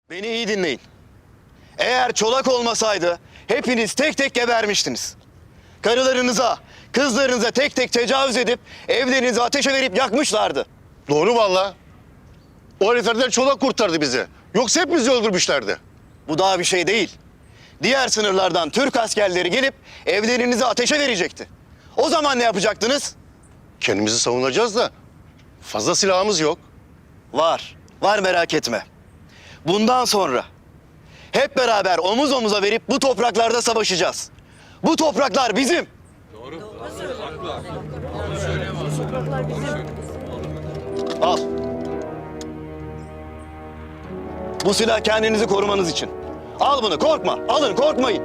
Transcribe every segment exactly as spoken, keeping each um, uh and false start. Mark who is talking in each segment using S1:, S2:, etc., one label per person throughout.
S1: Beni iyi dinleyin. Eğer Çolak olmasaydı hepiniz tek tek gebermiştiniz. Karılarınıza, kızlarınıza tek tek tecavüz edip evlerinizi ateşe verip yakmışlardı.
S2: Doğru vallahi. O heriflerden Çolak kurtardı bizi. Yoksa hepimizi öldürmüşlerdi.
S1: Bu daha bir şey değil. Diğer sınırlardan Türk askerleri gelip evlerinizi ateşe verecekti. O zaman ne yapacaktınız?
S2: Kendimizi savunacağız da fazla silahımız yok.
S1: Var, var merak etme. Bundan sonra hep beraber omuz omuza verip bu topraklarda savaşacağız. Bu topraklar bizim. Al. Bu silah kendinizi korumanız için. Al bunu, korkma. Alın, korkmayın.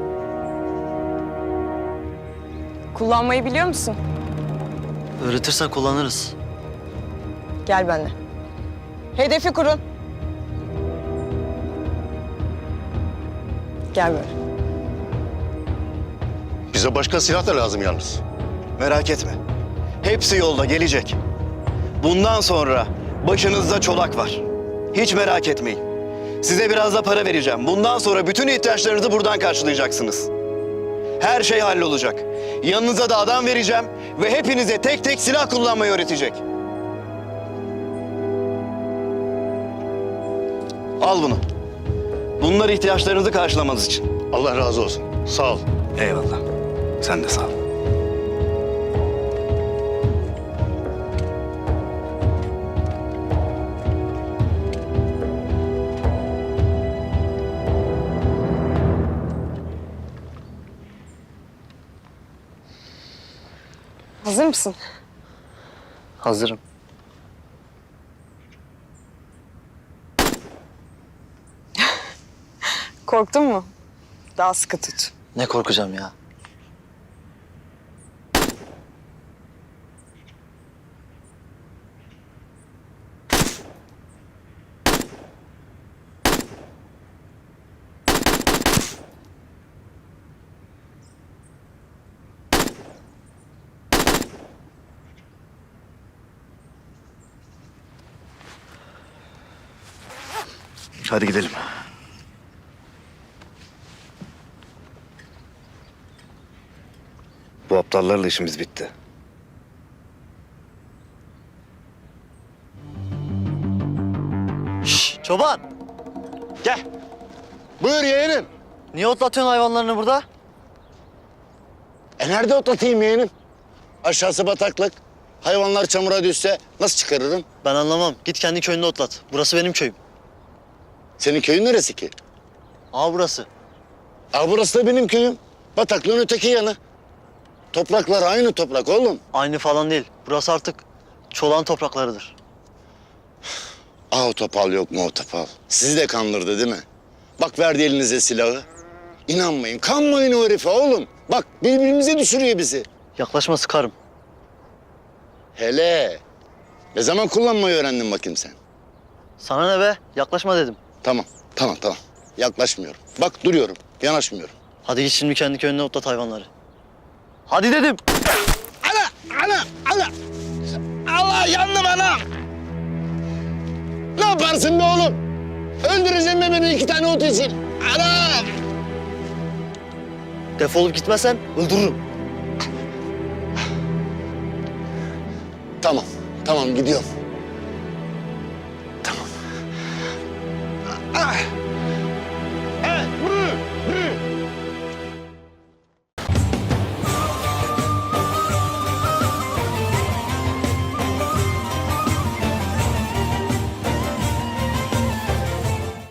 S3: Kullanmayı biliyor musun?
S4: Öğretirsen kullanırız.
S3: Gel benimle. Hedefi kurun. Gel böyle.
S2: Bize başka silah da lazım yalnız.
S1: Merak etme. Hepsi yolda gelecek. Bundan sonra başınızda Çolak var. Hiç merak etmeyin. Size biraz da para vereceğim. Bundan sonra bütün ihtiyaçlarınızı buradan karşılayacaksınız. Her şey hallolacak. Yanınıza da adam vereceğim ve hepinize tek tek silah kullanmayı öğretecek. Al bunu. Bunlar ihtiyaçlarınızı karşılamanız için.
S2: Allah razı olsun. Sağ ol.
S1: Eyvallah. Sen de sağ ol.
S3: Hazır mısın?
S4: Hazırım.
S3: Korktun mu? Daha sıkı tut.
S4: Ne korkacağım ya?
S1: Hadi gidelim. Bu aptallarla işimiz bitti.
S4: Şşş, çoban!
S1: Gel.
S2: Buyur yeğenim.
S4: Niye otlatıyorsun hayvanlarını burada?
S2: E nerede otlatayım yeğenim? Aşağısı bataklık. Hayvanlar çamura düşse nasıl çıkarırım?
S4: Ben anlamam. Git kendi köyünde otlat. Burası benim köyüm.
S2: Senin köyün neresi ki?
S4: Aa burası.
S2: Aa burası da benim köyüm. Bataklığın öteki yanı. Topraklar aynı toprak oğlum.
S4: Aynı falan değil. Burası artık Çolak'ın topraklarıdır.
S2: Aa o topal yok mu o topal? Sizi de kandırdı değil mi? Bak verdi elinize silahı. İnanmayın, kanmayın o herife oğlum. Bak birbirimize düşürüyor bizi.
S4: Yaklaşma sıkarım.
S2: Hele. Ne zaman kullanmayı öğrendin bakayım sen?
S4: Sana ne be? Yaklaşma dedim.
S2: Tamam, tamam, tamam. Yaklaşmıyorum. Bak duruyorum, yanaşmıyorum.
S4: Hadi git şimdi kendi köyünde otlat hayvanları. Hadi dedim.
S2: Ana, ana, ana. Allah yandım anam. Ne yaparsın be oğlum? Öldüreceğim be beni iki tane ot için. Anam.
S4: Defolup gitmezsen öldürürüm.
S2: Tamam, tamam gidiyorum. Tamam. Ah.